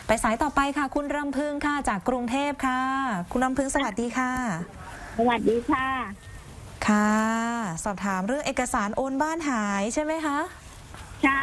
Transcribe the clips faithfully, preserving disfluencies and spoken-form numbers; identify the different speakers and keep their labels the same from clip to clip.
Speaker 1: ไปสายต่อไปค่ะคุณรำพึงค่ะจากกรุงเทพค่ะคุณรำพึงสวัสดีค่ะ
Speaker 2: สวัสดีค่ะ
Speaker 1: ค่ะสอบถามเรื่องเอกสารโอนบ้านหายใช่ไหมคะ
Speaker 2: ค่ะ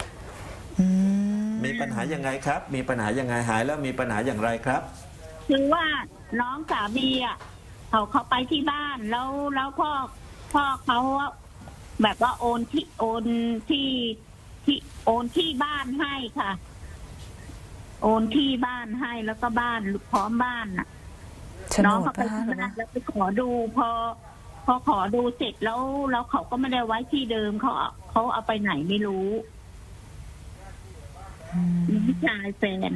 Speaker 3: มีปัญหายังไงครับมีปัญหายังไงหายแล้วมีปัญหาอย่างไรครับ
Speaker 2: คือว่าน้องสามีอ่ะเขาเขาไปที่บ้านแล้วแล้วพ่อพ่อเขาแบบว่าโอนที่โอนที่ที่โอนที่บ้านให้ค่ะโอนที่บ้านให้แล้วก็บ้านพร้อมบ้านน่ะน้องเขาไปที่บ้านแล้วไปขอดูพอพอขอดูเสร็จแล้วแล้วเขาก็ไม่ได้ไว้ที่เดิมเขาเขาเอาไปไหนไม่รู้พี่ชายแฟน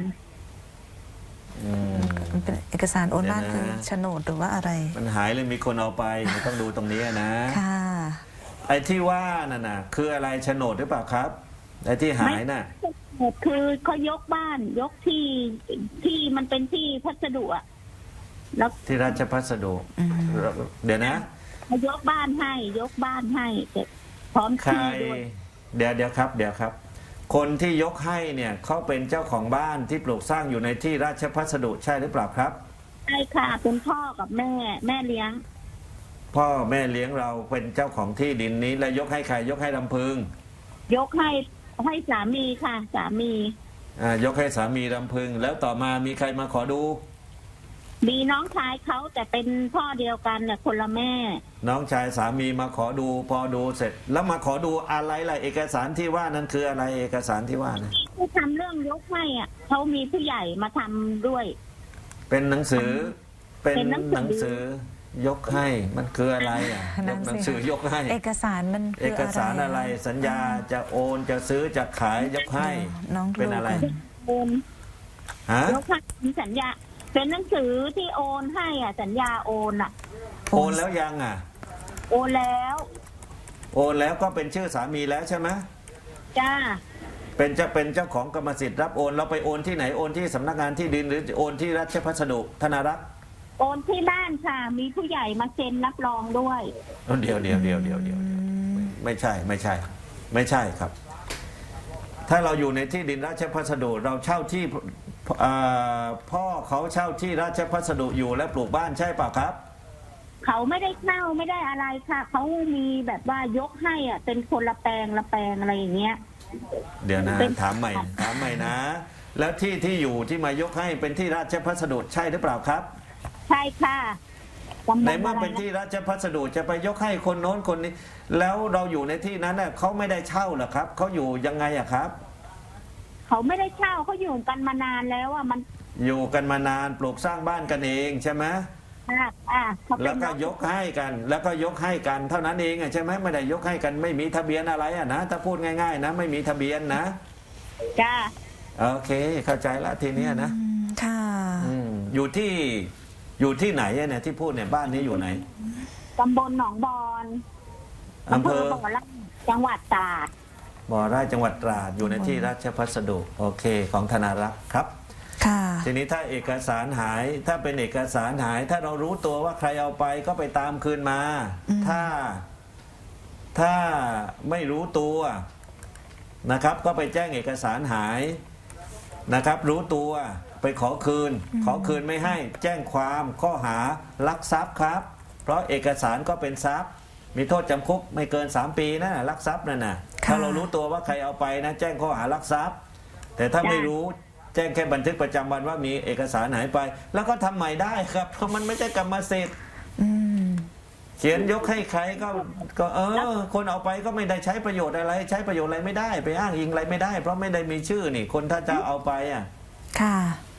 Speaker 1: มันเป็นเอกสารโอนบ้านคือโฉนดหรือว่าอะไร
Speaker 3: มันหายเลยมีคนเอาไปต้องดูตรงนี้นะ
Speaker 1: ค่ะ
Speaker 3: ไอ้ที่ว่าน่ะนะคืออะไรโฉนดหรือเปล่าครับไอ้ที่หายน่ะ
Speaker 2: คือเขายกบ้านยกที่ที่มันเป็นที่พัสดุอะแล้ว
Speaker 3: ที่ราชพัสดุเดี๋ยวนะ
Speaker 2: เขายกบ้านให้ยกบ้านให้พร้อมที่ด้วย
Speaker 3: เดี๋ยวเดี๋ยวครับเดี๋ยวครับคนที่ยกให้เนี่ยเขาเป็นเจ้าของบ้านที่ปลูกสร้างอยู่ในที่ราชพัสดุใช่หรือเปล่าครับ
Speaker 2: ใช่ค่ะเป็นพ่อกับแม่แม่เลี้ยง
Speaker 3: พ่อแม่เลี้ยงเราเป็นเจ้าของที่ดินนี้แล้วยกให้ใครยกให้ลำพึง
Speaker 2: ยกให้ให้สามีค่ะสามี
Speaker 3: อ่ายกให้สามีลำพึงแล้วต่อมามีใครมาขอดู
Speaker 2: มีน้องชายเขาแต่เป็นพ่อเดียวกันเนี่ยคนละแม่
Speaker 3: น้องชายสามีมาขอดูพอดูเสร็จแล้วมาขอดูอะไรล่ะเอกสารที่ว่านั้นคืออะไรเอกสารที่ว่านะ
Speaker 2: ที่ทำเรื่องยกให้อ่ะเขามีผู้ใหญ่มาทำด้วย
Speaker 3: เป็นหนังสือเป็นหนังสือยกให้มันคืออะไรอ่ะหนังสือยกให้
Speaker 1: เอกสารมัน
Speaker 3: เอกสารอะไรสัญญาจะโอนจะซื้อจะขายยกให้เป็นอะไร
Speaker 2: โอน
Speaker 3: ฮะ
Speaker 2: ยกให้สัญญาเป็นหนังสือที่โอนให้อ่ะสัญญาโอนอ่ะ
Speaker 3: โอนแล้วยังอ่ะ
Speaker 2: โอนแล้ว
Speaker 3: โอนแล้วก็เป็นชื่อสามีแล้วใช่ไหม
Speaker 2: จ้า
Speaker 3: เป็นจะเป็นเจ้าของกรรมสิทธิ์รับโอนเราไปโอนที่ไหนโอนที่สำนักงานที่ดินหรือโอนที่ราชพัสดุธนารักษ์
Speaker 2: โอนที่บ้านค่ะมีผู้ใหญ่มาเซ็นรับรองด้วย
Speaker 3: เดี๋ยวเดี๋ยวเดี๋ยวเดี๋ยวเดี๋ยวไม่ใช่ไม่ใช่ไม่ใช่ครับถ้าเราอยู่ในที่ดินราชพัสดุเราเช่าที่พ่อเขาเช่าที่ราชพัสดุอยู่และปลูกบ้านใช่ป่ะครับ
Speaker 2: เขาไม่ได้เช่าไม่ได้อะไรค่ะเขามีแบบว่ายกให้อ่ะเป็นคนละแปลงละแปลงอะไรอย่างเงี้ย
Speaker 3: เดี๋ยวนะถามใหม่ถามใหม่นะแล้วที่ที่อยู่ที่มายกให้เป็นที่ราชพัสดุใช่หรือเปล่าครับ
Speaker 2: ใช่ค่ะ
Speaker 3: ในเมื่อเป็นที่ราชพัสดุจะไปยกให้คนโน้นคนนี้แล้วเราอยู่ในที่นั้นน่ะเขาไม่ได้เช่าหรอครับเขาอยู่ยังไงอะครับ
Speaker 2: เขาไม่ได้เช่าเขาอยู่กันมานานแล้วอ่ะมัน
Speaker 3: อยู่กันมานานปลูกสร้างบ้านกันเองใช่ไหม
Speaker 2: อ่า
Speaker 3: แล้วก็ยกให้กันแล้วก็ยกให้กันเท่านั้นเองอ่ะใช่ไหมไม่ได้ยกให้กันไม่มีทะเบียนอะไรอ่ะนะถ้าพูดง่ายๆนะไม่มีทะเบียนนะ
Speaker 2: จ้า
Speaker 3: โอเคเข้าใจละทีนี้นะ
Speaker 1: ค่ะ
Speaker 3: อยู่ที่อยู่ที่ไหนเนี่ยที่พูดเนี่ยบ้านนี้อยู่ไหน
Speaker 2: ตำบลหนองบอนอำเภอบ่อไร่จังหวัดตราด
Speaker 3: บ่อไร่จังหวัดตราดอยู่ในที่ราชพัสดุโอเคของธนารักษ์ครับทีนี้ถ้าเอกสารหายถ้าเป็นเอกสารหายถ้าเรารู้ตัวว่าใครเอาไปก็ไปตามคืนมาถ้าถ้าไม่รู้ตัวนะครับก็ไปแจ้งเอกสารหายนะครับรู้ตัวไปขอคืนขอคืนไม่ให้แจ้งความข้อหาลักทรัพย์ครับเพราะเอกสารก็เป็นทรัพย์มีโทษจำคุกไม่เกินสามปีนะลักทรัพย์นั่นน่ะถ้าเรารู้ตัวว่าใครเอาไปนะแจ้งข้อหาลักทรัพย์แต่ถ้าไม่รู้แจ้งแค่บันทึกประจำวันว่ามีเอกสารหายไปแล้วก็ทำใหม่ได้ครับเพราะมันไม่ใช่กรรมสิทธิ์เขียนยกให้ใครก็ก็เออคนเอาไปก็ไม่ได้ใช้ประโยชน์อะไรใช้ประโยชน์อะไรไม่ได้ไปอ้างอิงอะไรไม่ได้เพราะไม่ได้มีชื่อนี่คนถ้าจะเอาไปอ่ะ
Speaker 1: ค่ะ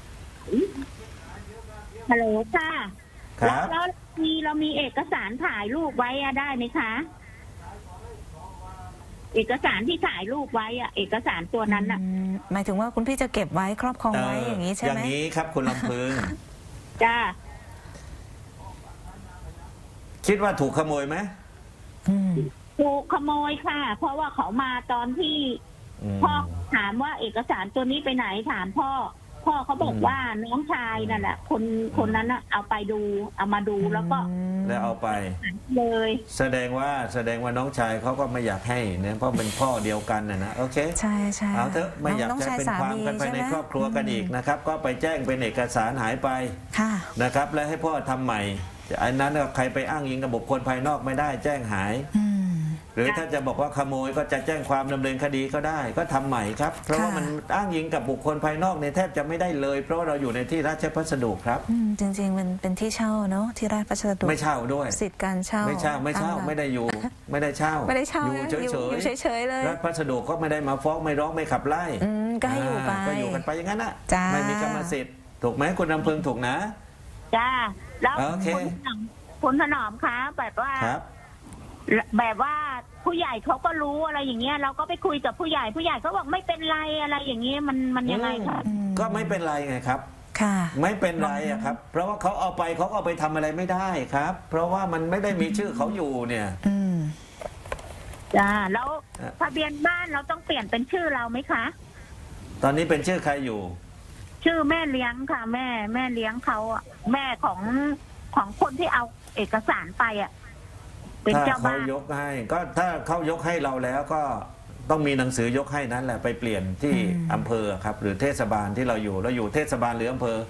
Speaker 2: ฮัลโหลค่ะ
Speaker 3: ครับ
Speaker 2: แล้วมีเรามีเอกสารถ่ายรูปไว้ได้ไหมคะเอกสารที่ถ่ายรูปไว้อะเอกสารตัวนั้นอะ
Speaker 1: หมายถึงว่าคุณพี่จะเก็บไว้ครอบครองไว้อย่างนี้ใช่ไหม
Speaker 3: อย่างนี้ครับคุณลำพึง
Speaker 2: จ้า
Speaker 3: คิดว่าถูกขโมยไหม
Speaker 2: ถูกขโมยค่ะเพราะว่าเขามาตอนที่พ่อถามว่าเอกสารตัวนี้ไปไหนถามพ่อพ่อเขาบอก
Speaker 3: อืม
Speaker 2: ว่าน้องชายนั่นแหละคนคนนั้นน่ะเอาไปดูเอามาดูแล้วก็
Speaker 3: แล้วเอาไป
Speaker 2: เลย
Speaker 3: แสดงว่าแสดงว่าน้องชายเขาก็ไม่อยากให้เนี่ยเพราะเป็นพ่อเดียวกันนะนะโอเค
Speaker 1: ใช่ใช่
Speaker 3: เอาเถอะไม่อยาก
Speaker 1: น้ง
Speaker 3: จะ
Speaker 1: ช
Speaker 3: เป็น
Speaker 1: ส
Speaker 3: ความกันไปใน
Speaker 1: ใช่หม
Speaker 3: ครอบครัวกันอีกนะครับ ก็ไปแจ้งเป็นเอกสารหายไป
Speaker 1: ค่ะ
Speaker 3: นะครับ แล้วให้พ่อทำใหม่อันนั้นก็ใครไปอ้างอิงกับบุคคลภายนอกไม่ได้แจ้งหาย
Speaker 1: อืม
Speaker 3: หรือถ้าจะบอกว่าขโมยก็จะแจ้งความดำเนินคดีก็ได้ ก็ทำใหม่ครับ เพราะว่า
Speaker 1: ค่ะ
Speaker 3: มันอ้างอิงกับบุคคลภายนอกเนี่ยแทบจะไม่ได้เลย เพราะว่าเราอยู่ในที่ราชพัสดุครับ
Speaker 1: อืมจริงๆมันเป็นที่เช่าเนาะที่ราชพัสดุ
Speaker 3: ไม่เช่าด้วย
Speaker 1: สิทธิ์การเช่า
Speaker 3: ไม่เช่าไม่เช่า
Speaker 1: ตหลัก
Speaker 3: ไม่ได้อยู่ ไม่ได้เช่า
Speaker 1: ไม่ได้เช่า
Speaker 3: อยู่
Speaker 1: นะ
Speaker 3: เฉย
Speaker 1: อยู่เฉยๆเลย
Speaker 3: รัฐพัสดุก็ไม่ได้มาฟ้องไม่ร้องไม่ขับไล่
Speaker 1: อืมก็ให้อยู่ไป
Speaker 3: าก็อยู่กันไปอย่างนั้นน่ะ
Speaker 1: จ้า
Speaker 3: ไม่มีกรรมสิทธิ์ถูกไหมคุณลำพึงถูกนะ
Speaker 2: จ้าแล้ว
Speaker 3: โอเค
Speaker 2: คุณถนอมคุณถนอมคะแบบว่า
Speaker 3: ครับ
Speaker 2: แบบว่าผู้ใหญ่เขาก็รู้อะไรอย่างเงี้ยเราก็ไปคุยกับผู้ใหญ่ผู้ใหญ่เขาบอกไม่เป็นไรอะไรอย่างเงี้ยมันมันยังไงคะ
Speaker 1: อืม
Speaker 3: ก็ไม่เป็นไรไงครับ
Speaker 1: ค่ะ
Speaker 3: ไม่เป็นไรอะครับ เพราะว่าเขาเอาไปเขาก็เอาไปทำอะไรไม่ได้ครับ เพราะว่ามันไม่ได้มีชื่อเขาอยู่เนี่ย
Speaker 1: อืม
Speaker 2: จ้าแล้ว
Speaker 3: อ่ะ
Speaker 2: ทะเบียนบ้านเราต้องเปลี่ยนเป็นชื่อเราไหมคะ
Speaker 3: ตอนนี้เป็นชื่อใครอยู่
Speaker 2: ชื่อแม่เลี้ยงค่ะ แม่แม่เลี้ยงเขาอะแม่ของของคนที่เอาเอกสารไปอ่ะเป็น
Speaker 3: ถ้า
Speaker 2: เจ้า
Speaker 3: เขา
Speaker 2: บ้าน
Speaker 3: ยกให้ ก็ถ้าเขายกให้เราแล้วก็ต้องมีหนังสือยกให้นั้นแหละไปเปลี่ยนที่
Speaker 1: อืม
Speaker 3: อำเภอครับ หรือเทศบาลที่เราอยู่เราอยู่เทศบาลหรืออำเภอ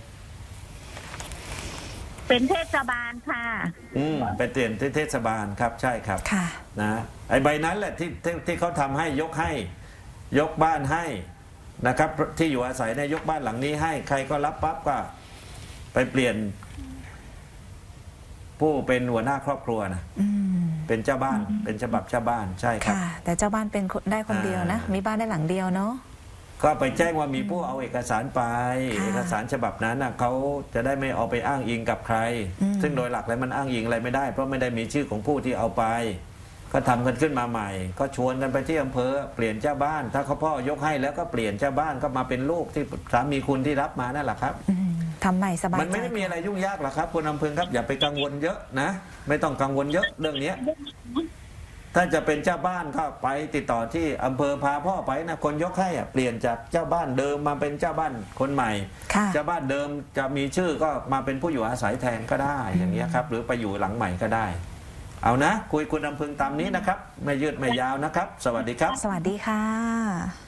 Speaker 2: เป็นเทศบาลค่ะ
Speaker 3: อืมไปเปลี่ยนที่เทศบาลครับใช่ครับ
Speaker 1: ค่ะ
Speaker 3: นะไอ้ใบนั้นแหละที่ที่ที่เขาทำให้ยกให้ ยกบ้านให้นะครับ ที่อยู่อาศัยในยยกบ้านหลังนี้ให้ ใครก็รับปั๊บก็ไปเปลี่ยน ผู้เป็นหัวหน้าครอบครัวนะ
Speaker 1: อืม
Speaker 3: เป็นเจ้าบ้าน เป็นฉบับเจ้าบ้านใช่ครับ
Speaker 1: ค่ะ แต่เจ้าบ้านเป็นคนได้คนเดียวนะ
Speaker 3: อ่ามี
Speaker 1: มีบ้านได้หลังเดียวเนาะ
Speaker 3: ก็ไปแจ้งว่ามีผู้เอาเอกสารไป
Speaker 1: ค่ะ
Speaker 3: เอกสารฉบับนั้นนะเขาจะได้ไม่เอาไปอ้างอิงกับใคร
Speaker 1: อืม
Speaker 3: ซึ่งโดยหลักแล้วมันอ้างอิงอะไรไม่ได้ เพราะไม่ได้มีชื่อของผู้ที่เอาไป ก็ทำกันขึ้นมาใหม่ ก็ชวนกันไปที่อำเภอเปลี่ยนเจ้าบ้าน ถ้าเขาพ่อยกให้แล้วก็เปลี่ยนเจ้าบ้านก็มาเป็นลูกที่สามีคุณที่รับมานั่นแหละครับ
Speaker 1: อืมทำใหม่สบายใจ
Speaker 3: มันไม่ได้มีอะไรยุ่งยากหรอกครับคุณอำเภอครับอย่าไปกังวลเยอะนะ ไม่ต้องกังวลเยอะเรื่องเนี้ย ถ้าจะเป็นเจ้าบ้านก็ไปติดต่อที่อำเภอพาพ่อไปนะคนยกให้อะเปลี่ยนจากเจ้าบ้านเดิมมาเป็นเจ้าบ้านคนใหม่
Speaker 1: ค่ะ
Speaker 3: เจ้าบ้านเดิมจะมีชื่อก็มาเป็นผู้อยู่อาศัยแทนก็ได้อย่างเงี้ยครับ หรือไปอยู่หลังใหม่ก็ได้ เอานะ คุยคุณอำพึงตามนี้นะครับ ไม่ยืดไม่ยาวนะครับ สวัสดีครับ
Speaker 1: สวัสดีค่ะ